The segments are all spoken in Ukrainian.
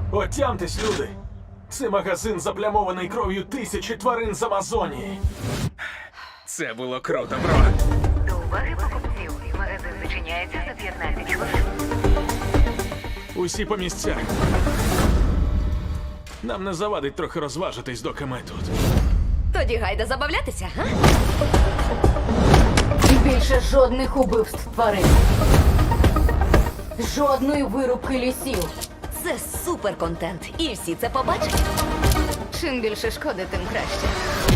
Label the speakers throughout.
Speaker 1: Отямтесь, люди! Це магазин, заплямований кров'ю тисячі тварин з Амазонії.
Speaker 2: Це було круто, бро.
Speaker 3: До уваги покупців. Магазин зачиняється за 15 хвилин.
Speaker 1: Усі по місцях. Нам не завадить трохи розважитись, доки ми тут.
Speaker 4: Тоді гайда забавлятися, га?
Speaker 5: Більше жодних убивств тварин. Жодної вирубки лісів.
Speaker 4: Це супер контент, і всі це побачать.
Speaker 5: Чим більше шкоди, тим краще.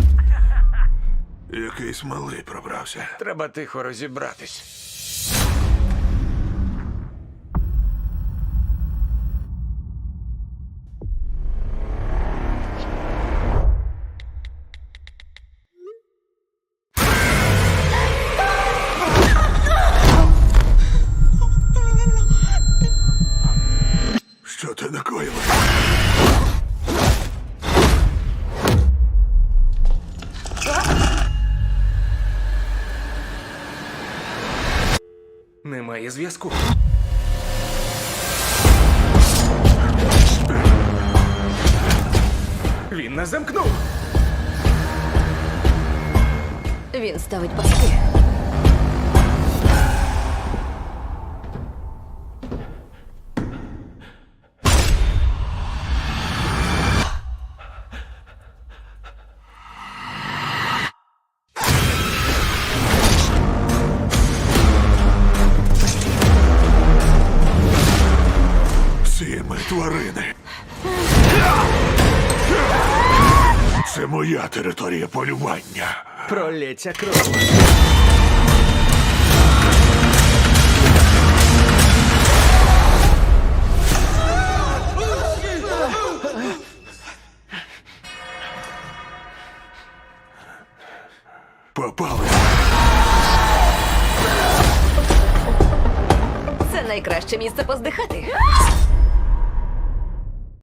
Speaker 6: Якийсь малий пробрався.
Speaker 2: Треба тихо розібратись.
Speaker 6: Що ти накоїв?
Speaker 2: Немає зв'язку. Він нас замкнув.
Speaker 4: Він ставить пастки.
Speaker 6: Всі ми тварини. Це моя територія полювання.
Speaker 2: Пролється кров.
Speaker 6: Попали.
Speaker 4: Це найкраще місце поздихати.